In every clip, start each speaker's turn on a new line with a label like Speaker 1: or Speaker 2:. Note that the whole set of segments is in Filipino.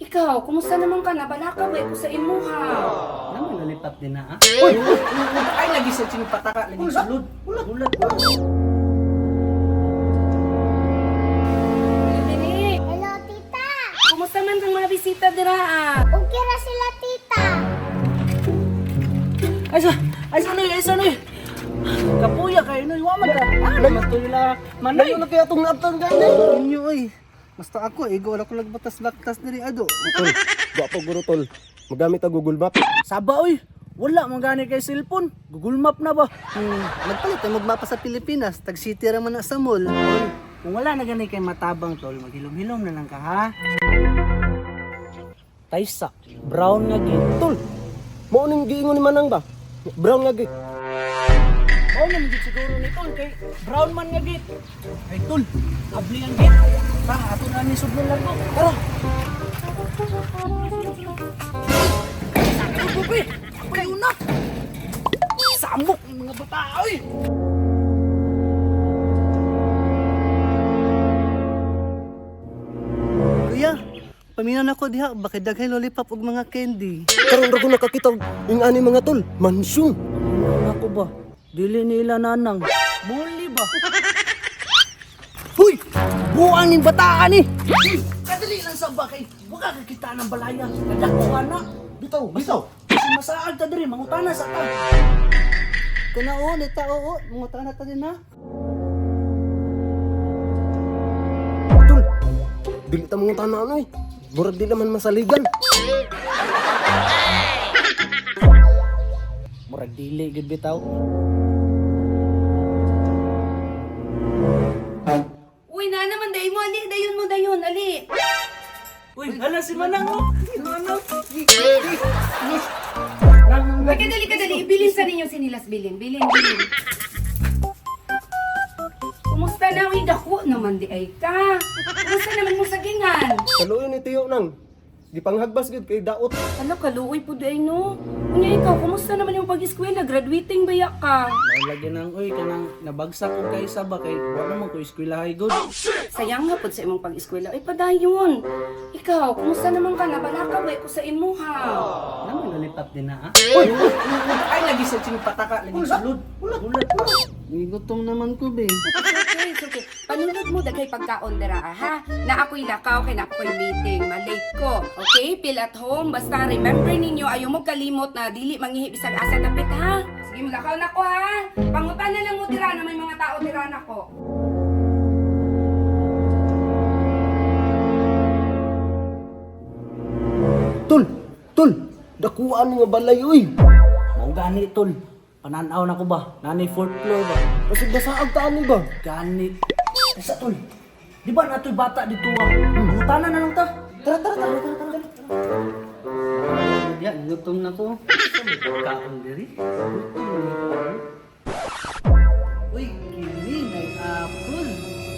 Speaker 1: Ikaw, kumusta naman ka? Nabalaka ba ko sa imuha?
Speaker 2: Naman nalipat din na ah.
Speaker 3: Uy! Ay, lagi sa sing pataka, lagi sulod.
Speaker 2: Ulat.
Speaker 1: Bibinik,
Speaker 4: Hello, tita.
Speaker 1: kumusta man ang mga bisita dira?
Speaker 4: Okay ra sila, tita.
Speaker 3: Ay, sanay. Kapuya kayo, no? Iwaman ka.
Speaker 2: Matula.
Speaker 3: Manay,
Speaker 2: Ano kaya itong naptan gani? Inyo ay. Basta ako, wala ko lagbatas-laktas diri ado.
Speaker 5: Tol, gwapo guro tol. Magamit ang Google Map.
Speaker 3: Saba, oy. Wala, magani kay cellphone. Google Map na ba?
Speaker 2: Nagpalit ay magmapa sa Pilipinas. Tag-city raman na sa mall.
Speaker 3: Kung wala na gani kay matabang, tol, maghilom-hilom na lang ka, ha? Taysa, brown nga gid.
Speaker 5: Tol, mao ning giingon ni Manang ba? Brown lagi.
Speaker 3: Oo naman gid siguro ni tol, kay brown man nga gid. Ay, tol, abli ang gid. Tara, ato na ni sudlon lang ko. Tara. Bubi, kayo na. Samok ng mga bata, oy.
Speaker 2: Kuya, paminaw ako diha. Bakit daghay lollipop ug mga candy?
Speaker 5: Karon ra ko nakakita ing ani mga tol, mansyon.
Speaker 3: Ano ako ba? Dili nila nanang. Buli ba?
Speaker 2: Huy! Buang ning bataan ni!
Speaker 3: Kadali lang sa bakay. Wala ka kita ng balaya. Kadako na.
Speaker 5: Bitaw.
Speaker 3: Kasi masaag ta diri, mangutana sa ta.
Speaker 2: Kuna o, nita oo. Mga tanah ta din ha.
Speaker 5: Tol, dili ta mga tanan ano eh. Murag di naman masaligan.
Speaker 3: Murag dili gid bitaw.
Speaker 1: Uy, na naman, dayon mo, ali, dayon, ali.
Speaker 3: Uy, hala si Manang oh. Si Manang.
Speaker 1: Uy, kadali, bilin sa ninyo sinilas, bilin. Kumusta na? Uy, dako naman di ay ka. Kumusta naman mo sa gingan?
Speaker 5: Kaluoy ni Tiyo nang. Gipanghagbas gid kay daot.
Speaker 1: Ano, kaluoy po di ay no? Kunya ikaw, kumusta naman yung pag-eskwela? Graduating ba ya ka?
Speaker 3: Lagi nang uy kanang nabagsak ko kay sa bakay. Wa naman ko eskwelahay good.
Speaker 1: Sayang nga po sa imong pag-eskwela. Ay, padayon. Ikaw, kumusta naman ka? Nabalaka ba ko sa imuha?
Speaker 2: Naman nalipat din na ah.
Speaker 3: Ay, lagi sa sing pataka, lagi sulod. Ulat.
Speaker 2: Gutom naman ko be.
Speaker 1: Okay. Panunod mo daghay pagkaon dira ha. Na ako'y lakaw kay na ako'y meeting. Malate ko. Okay? Feel at home. Basta remember ninyo, ayaw mo kalimot na dili mangihi bisag asa dapit ha. Sige, mulakaw na ko ha. Pangutan na lang mo dira na may mga tao dira na ko.
Speaker 5: Tol, dakuan nga balay oy.
Speaker 3: Mao gani tol. Pananaw na ko ba? Nani fourth floor ba?
Speaker 5: Kasi basaag ta ani ba?
Speaker 3: Gani. Ay sa tol. Di ba natoy bata dito ah? Mangutana na lang ta. Tara.
Speaker 2: Diya, gutom na ko. Kaon diri. Uy, kini may apple.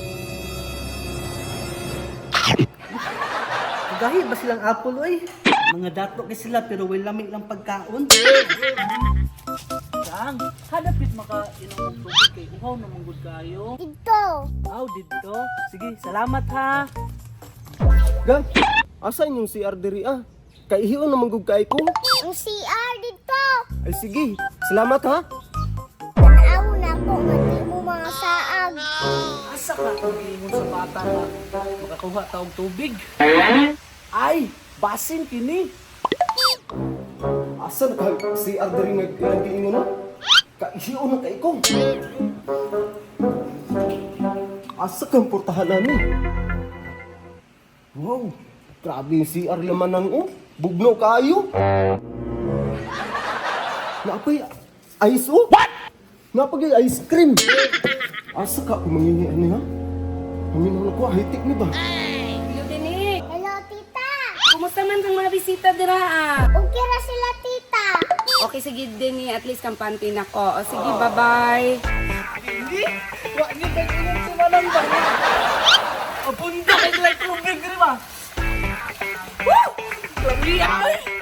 Speaker 2: Gahi ba silang apple oy? Mga dato kay sila pero way lamig lang pagkaon.
Speaker 3: Saan? Hadapit maka inom ng tubig kay uhaw na manggod kayo.
Speaker 4: Dito.
Speaker 3: Aw dito. Sige, salamat ha.
Speaker 5: Gang, asa inyong CR diri ah? Kay hiyo na manggug kay ko.
Speaker 4: Ang CR dito.
Speaker 5: Ay sige, salamat ha.
Speaker 4: Tanaw na ko, mati mo mga saag.
Speaker 3: Asa ka ingon sa bata nga makakuha ta og tubig? Ay, basin kini.
Speaker 5: Asa ka CR diri nga ilang giingon no? Kay hiyo na kay ko. Asa kang portahan nami? Wow, grabe yung CR laman ng bugno kayo. Napay ice What? Napay ice cream. Asa ka kumangingi ani ha? Amin na ko hitik ni ba?
Speaker 1: Hello, Dinik.
Speaker 4: Hello, tita.
Speaker 1: Kumusta man ang mga bisita dira
Speaker 4: Okay ra sila, tita.
Speaker 1: Okay, sige din at least kampante na ko. O sige, bye-bye.
Speaker 3: Hindi. Wa ni kay inom si Manang ba? Apunda kay like tubig ri ba? Woo! Grabe ay.